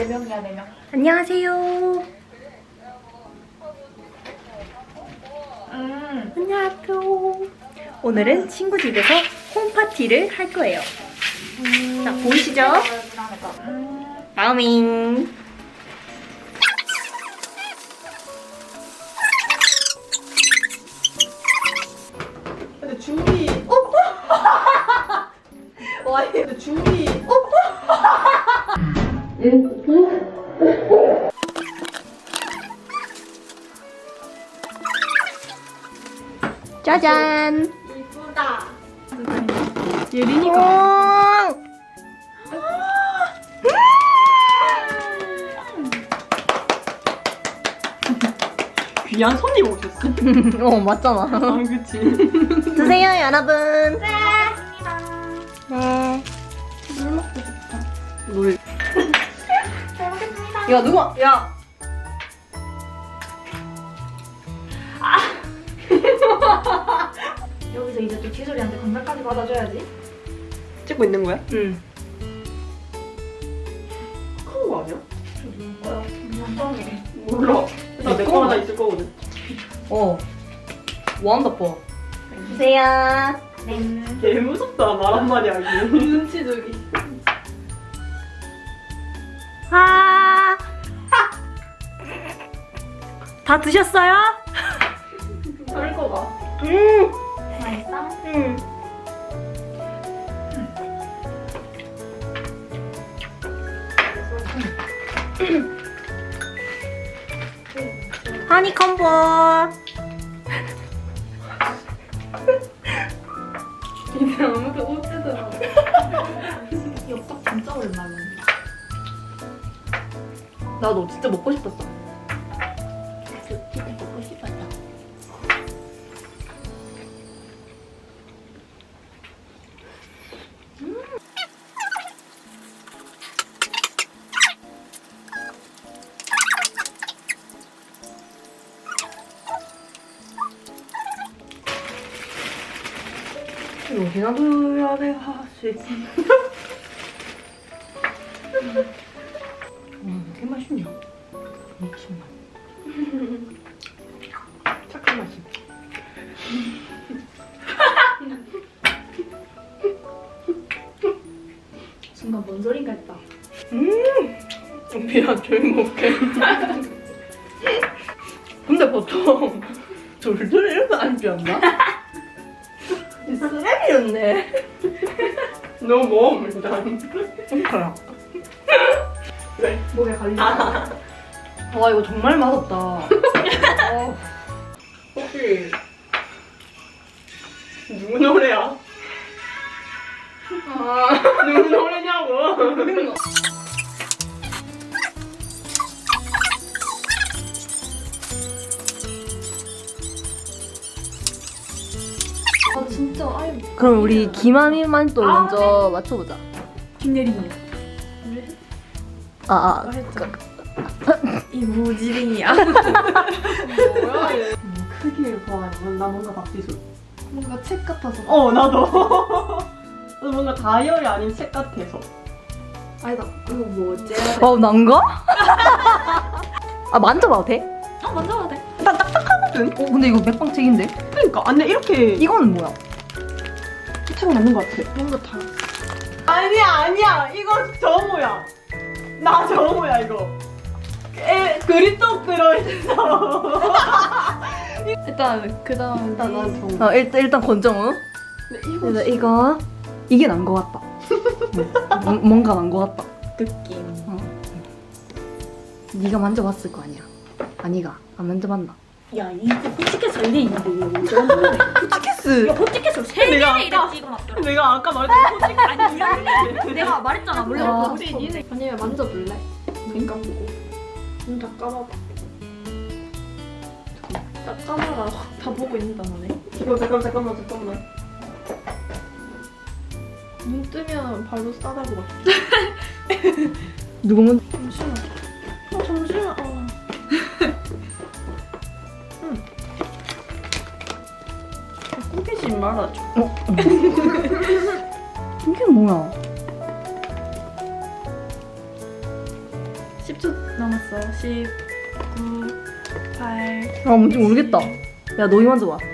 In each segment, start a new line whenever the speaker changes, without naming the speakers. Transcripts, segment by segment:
4명이야 4명.
안녕하세요. 안녕하세요. 오늘은 친구 집에서 홈파티를 할 거예요. 자, 보이시죠? 마우밍.
근데 줄이 와 근데 줄이
짜잔.
이쁘다.
예린이가
오!
귀한 손님 오셨어.
어, 맞잖아.
아 그치.
드세요, 여러분.
네.
네.
물 먹고 싶다.
물.
잘 먹겠습니다.
야 누가? 야.
여기서 이제 또 지솔이한테 건달까지 받아줘야지.
찍고 있는 거야?
응.
큰 거 아니야?
뭐야? 완전해.
몰라. 나 내 거 하나 있을 거거든.
어. 원더풀. 드세요.
네.
개 무섭다 말 한마디 하기. 눈치주기.
아. 다 드셨어요?
썰거 봐.
맛있어?
응. 하니콤보.
이제 아무도 못 쓰더라.
엽떡 진짜 오랜만이야.
나도 진짜 먹고 싶었어.
진짜 먹고 싶었다.
여기나 둬야 돼, 하나씩. 게 맛있냐? 미친다.
착한 맛이.
순간 뭔 소린가 했다.
미안 조용히 먹게.
근데 보통 돌돌 이렇게 안 좋았나? 쓰레기였네.
너무 먹어 일단.
그래.
왜?
목에 걸리지.
와, 이거 정말 맛없다. 어.
혹시 누구 노래야? 누구 노래냐고?
아 진짜 아유.
그럼 우리 김아미만 또
아,
먼저 맞춰보자.
김예린이.
아,
이무지링이야.
뭐야 얘. 크기를 보아하면 나 뭔가 박지수.
뭔가 책 같아서.
나도. 나도 뭔가 다이어리 아닌 책 같아서.
아니다. 이거 뭐지?
난가? 만져봐도 돼?
만져봐도 돼.
일단 딱딱하거든.
근데 이거 맥빵책인데?
그러니까 안돼 이렇게
이거는 뭐야?
책은 맞는 것 같아.
뭔가 다.
아니야 이거 정우야. 나 정우야 이거. 그립톡 들어있어.
일단 그다음
일단 난 정우.
일단 권정우.
근데 이거
그래서 이게 난 거 같다. 뭔가 난 거 같다.
느낌.
네가 만져봤을 거 아니야. 아니가 안 만져봤나?
야 이거 포티켓 이래 있는데 이거 어쩌면 모르네.
포티캐스.
야 포티켓을 세
내가
개나 이래
아까-
찍어놨더라.
내가 아까 말했던 포책
아니 이래. 내가 말했잖아 원래
아,
포티켓. 아니면 만져볼래? 눈 감고. 눈 다 감아봐. 다 감아라. 다 보고 있는다 너네.
잠깐만.
눈 뜨면 발로 싸다고 막.
누구 먼저?
잠시만. 잠시만.
꿈피지 말아줘.
이게 뭐야?
남았어. 10, 9, 8.
아 뭔지 모르겠다. 야 너희 먼저 봐.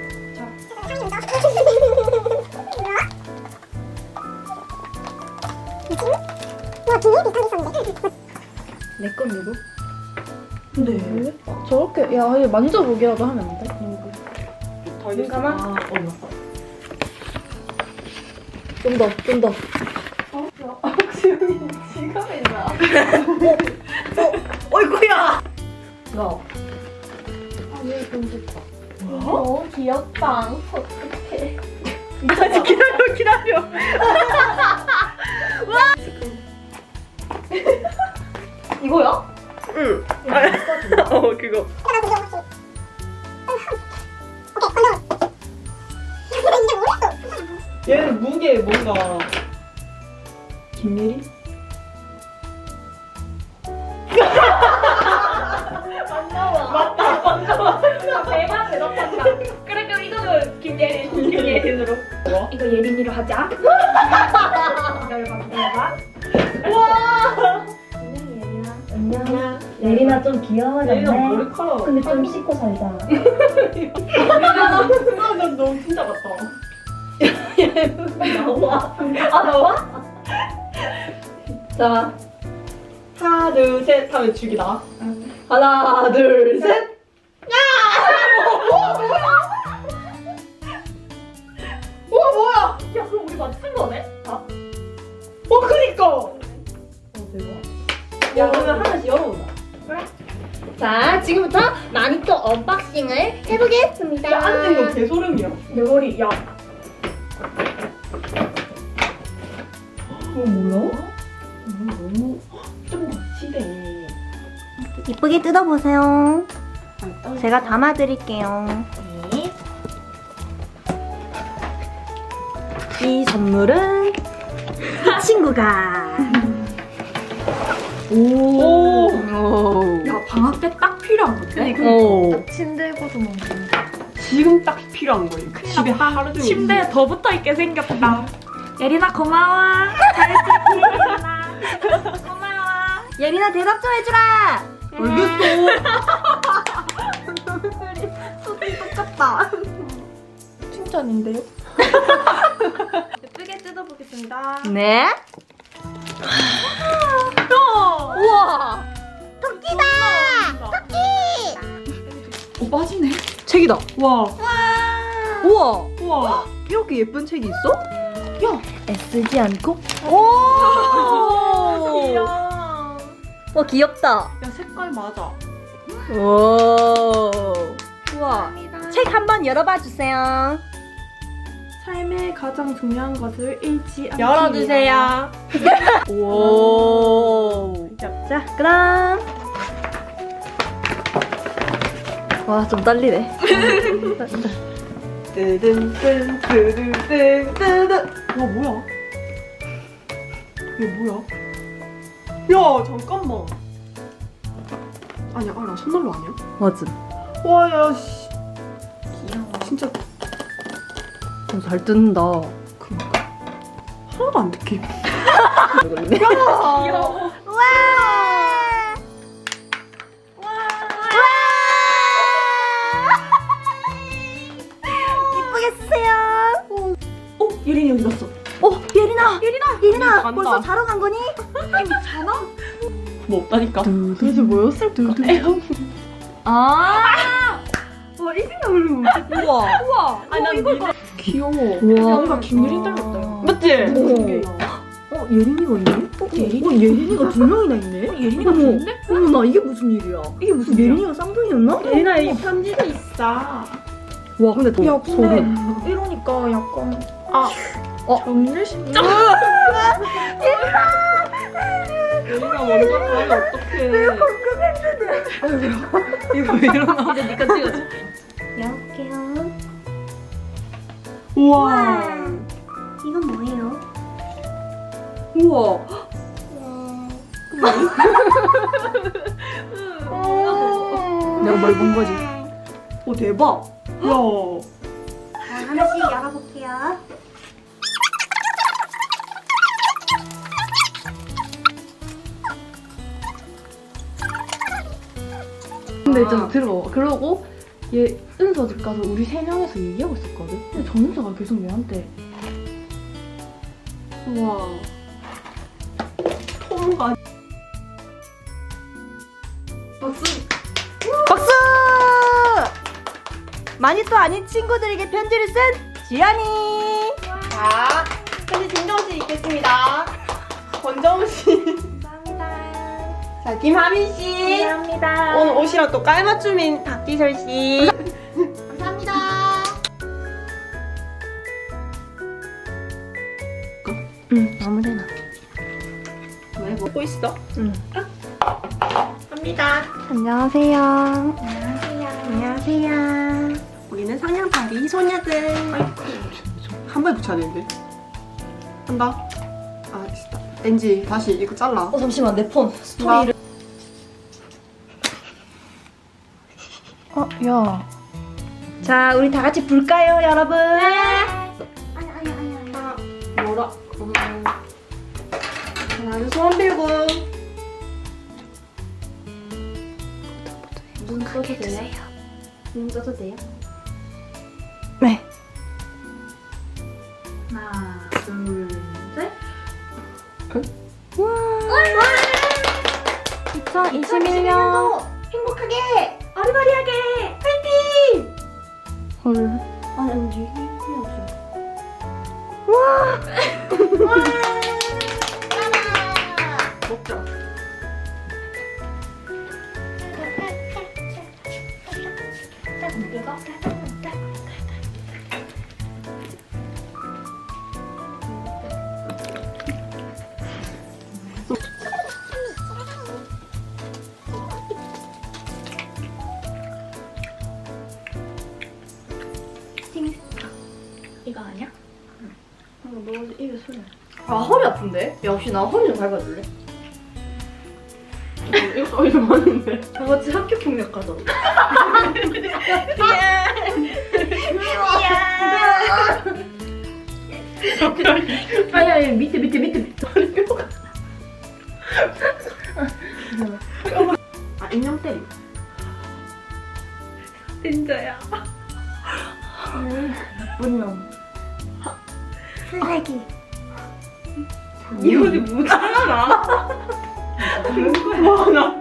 내 건 누구?
네. 저렇게 야 이거 만져보기라도 하면 안 돼?
눈
감아?
맞다.
좀 더, 좀 더.
지금이 지갑에 있나?
어이구야. 야.
아얘 공주다. 너무 귀엽다. 어떡해.
아직 기다려, 기다려. 이거야?
응. 그거. 얘는 무게 뭔가 김예리?
대박 대답한다. 그래 그럼 이거는 김예린으로.
뭐야?
이거 예린이로 하자. 열받.
안녕. 예린아 좀 귀여워졌네.
예린아 머리카락.
근데 좀 씻고 살자.
난 너무 진짜 같다.
나와. 아, 나와? 자,
하나 둘 셋 하면 죽이다.
하나, 둘, 셋.
뭐야?
야, 그럼 우리 맞춘 거네? 다?
그니까.
대박. 야, 그러면 하나씩 열어보자.
자 지금부터 마니또 언박싱을 해보겠습니다.
야, 앉은 거 개소름이야.
내 머리 야.
이거 뭐야? 너무 좀 멋지네.
이쁘게 뜯어보세요. 제가 담아드릴게요.
네.
이 선물은 이 친구가.
오.
오.
야 방학 때 딱 필요한 건데.
오.
침대에고도 먹는.
지금 딱 필요한 거예요. 그 집에 하루 종일.
침대에 더 붙어 있게 생겼다. 예린아 고마워. 잘했지 예린아. 고마워.
예린아 대답 좀 해주라.
똑같다.
칭찬인데요? 예쁘게 뜯어보겠습니다.
네. 우와.
빠지네.
책이다.
와.
우와.
우와.
이렇게 예쁜 책이 있어?
애쓰지 않고.
오.
귀여워.
와 귀엽다.
야, 색깔 맞아.
오. 우와.
책 한번 열어봐 주세요.
삶의 가장 중요한 것을 잃지 않기
열어주세요.
오. 자, 그럼. 와, 좀 떨리네.
뜨든뜬 뜨든뜬 뜨든. 와, 뭐야? 이게 뭐야? 야, 잠깐만. 아니야, 나 손난로 아니야?
맞음.
와, 야, 씨.
귀여워.
진짜
잘 뜯는다.
하나도 안 느낌.
귀여워.
이쁘게 쓰세요.
예린이 어디 갔어?
예린아
간다.
벌써 자러 간 거니?
뭐 없다니까. 도대체 뭐였을까?
아.
와, 이 생각을 못했어.
우와.
우와.
아니, 난 이거 귀여워.
우와.
뭔가 김유린 닮았다.
맞지?
예린이가 있네? 예린이가 두 명이나 있네?
예린이가
어머.
좋은데?
어머, 나 이게 무슨 일이야?
이게 무슨 일이야?
예린이가 쌍둥이였나?
예린아, 이 편지도 있어.
와, 근데 더
야 근데
소름.
이러니까 약간
정일 심장. 예린아 먼저 가면 어떡해.
이거 왜 이러나? 이제 니가 찍어줘.
열어볼게요.
우와.
이건 뭐예요?
우와. 내가 뭘 본 거지?
오, 대박. 야.
자, 하나씩 열어볼게요.
근데 좀 들어. 그러고 얘 은서 집 가서 우리 3명에서 얘기하고 있었거든. 근데 정은서가 계속 얘한테
우와. 통과. 박수.
박수! 많이 또 아닌 친구들에게 편지를 쓴 지연이.
자, 현재 진정 씨 있겠습니다. 권정우 씨.
감사합니다.
자, 김하민 씨.
감사합니다.
오늘 옷이랑 또 깔맞춤인 박기설 씨. 감사합니다.
응 아무데나.
왜 먹고 있어?
응.
갑니다.
안녕하세요.
안녕하세요.
안녕하세요. 우리는 상냥파리 소녀들. 한 번에 붙여야 되는데. 한다. 아, 진짜. NG 다시 이거 잘라.
잠시만 내 폰 스토리를. 야.
자, 우리 다 같이 불까요, 여러분?
하나, 뭐라? 하나, 소원 빌고. 눈 떠도 돼요? 눈 떠도 돼요?
네.
하나, 둘, 셋.
2021년
행복하게!
어리버리하게.
헐.
아니, NG. 해야지. 먹자.
이거 아니야?
너 입에 술래.
아 허리 아픈데? 야 혹시 나 허리 좀 밟아줄래?
이거 입에 맞는데.
다 같이 학교 폭력 가자. 아야 밑에.
아, 인형 때리.
진짜야.
나쁜 놈.
쓰레기.
이 옷이 뭐잖아. 와, 나